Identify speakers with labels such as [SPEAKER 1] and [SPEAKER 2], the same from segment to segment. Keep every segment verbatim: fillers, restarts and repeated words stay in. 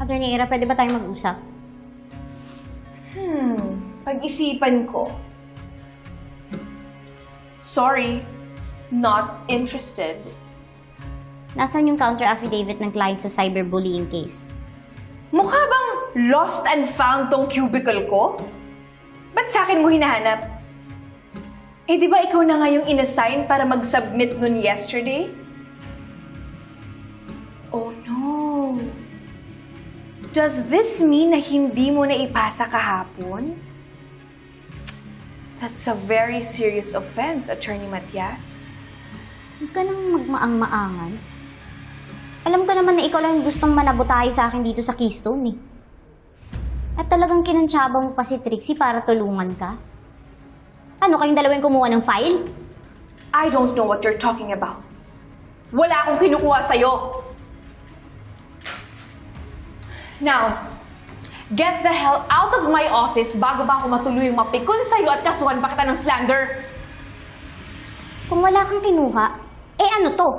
[SPEAKER 1] Attorney Ira, pwede ba tayong mag-usap?
[SPEAKER 2] Hmm, pag-isipan ko. Sorry, not interested.
[SPEAKER 1] Nasaan yung counter affidavit ng client sa cyberbullying case?
[SPEAKER 2] Mukha bang lost and found tong cubicle ko? Ba't sa akin mo hinahanap? Eh, di ba ikaw na nga yung inassign para mag-submit nun yesterday? Oh no. Does this mean na hindi mo na ipasa kahapon? That's a very serious offense, Attorney Matias.
[SPEAKER 1] Huwag ka nang magmaang-maangan. Alam ko naman na ikaw lang yung gustong manabutahe sa akin dito sa Keystone eh. At talagang kinuntsaba mo pa si Trixie para tulungan ka? Ano, kayong dalawang kumuha ng file?
[SPEAKER 2] I don't know what you're talking about. Wala akong kinukuha sa'yo. Now, get the hell out of my office bago ba ako matuloy yung mapikon sa'yo at kasuhan pa kita ng slander.
[SPEAKER 1] Kung wala kang kinuha, eh ano to?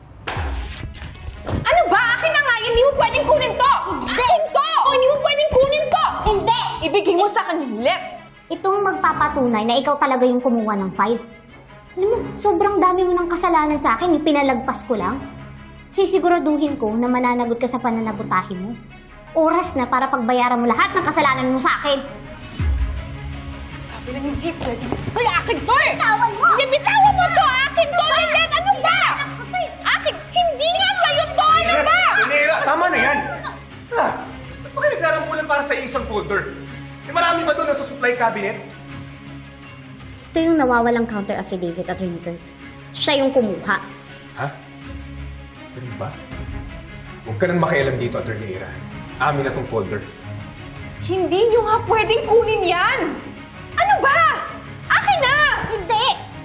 [SPEAKER 2] Ano ba? Akin na nga! Hindi mo pwedeng kunin to!
[SPEAKER 1] Hindi!
[SPEAKER 2] Akin to! O, hindi mo pwedeng kunin to!
[SPEAKER 1] Hindi!
[SPEAKER 2] Ibigay mo sa akin yung let.
[SPEAKER 1] Itong magpapatunay na ikaw talaga yung kumuha ng file. Alam mo, sobrang dami mo ng kasalanan sa akin, ipinalagpas ko lang. Sisiguraduhin ko na mananagot ka sa pananabutahe mo. Oras na para pagbayaran mo lahat ng kasalanan mo sa akin.
[SPEAKER 2] Sabi lang hindi pwede. Kaya akin to eh!
[SPEAKER 1] Bitawan mo!
[SPEAKER 2] Hindi, bitawan mo to! Akin to, Lilet! Ano ba? Akin! Hindi nga sa'yo to! Ano ba?
[SPEAKER 3] Nera, tama na yan! Ah, ba't ba kayo naglarambulan para sa isang folder? Eh, marami ba doon sa supply cabinet?
[SPEAKER 1] Ito yung nawawalang counter affidavit, Attorney Kurt. Siya yung kumuha.
[SPEAKER 3] Ha? Ganun ba? Huwag ka nang makialam dito, Attorney Ira. Amin na tong folder.
[SPEAKER 2] Hindi nyo nga pwedeng kunin yan! Ano ba? Akin na!
[SPEAKER 1] Hindi!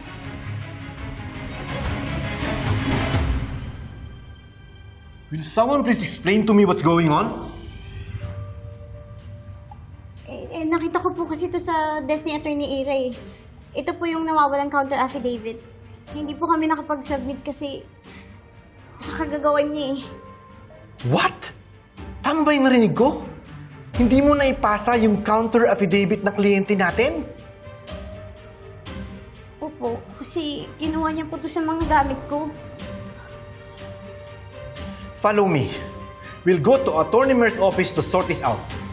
[SPEAKER 4] Will someone please explain to me what's going on?
[SPEAKER 1] Eh, eh, nakita ko po kasi ito sa desk ni Attorney Ira eh. Ito po yung nawawalang counter affidavit. Hindi po kami nakapag-submit kasi sa kagagawan niya eh.
[SPEAKER 4] What? Tama ba yung narinig ko? Hindi mo na ipasa yung counter affidavit na kliyente natin?
[SPEAKER 1] Opo, kasi kinuha niya po ito sa mga gamit ko.
[SPEAKER 4] Follow me. We'll go to Attorney Mer's office to sort this out.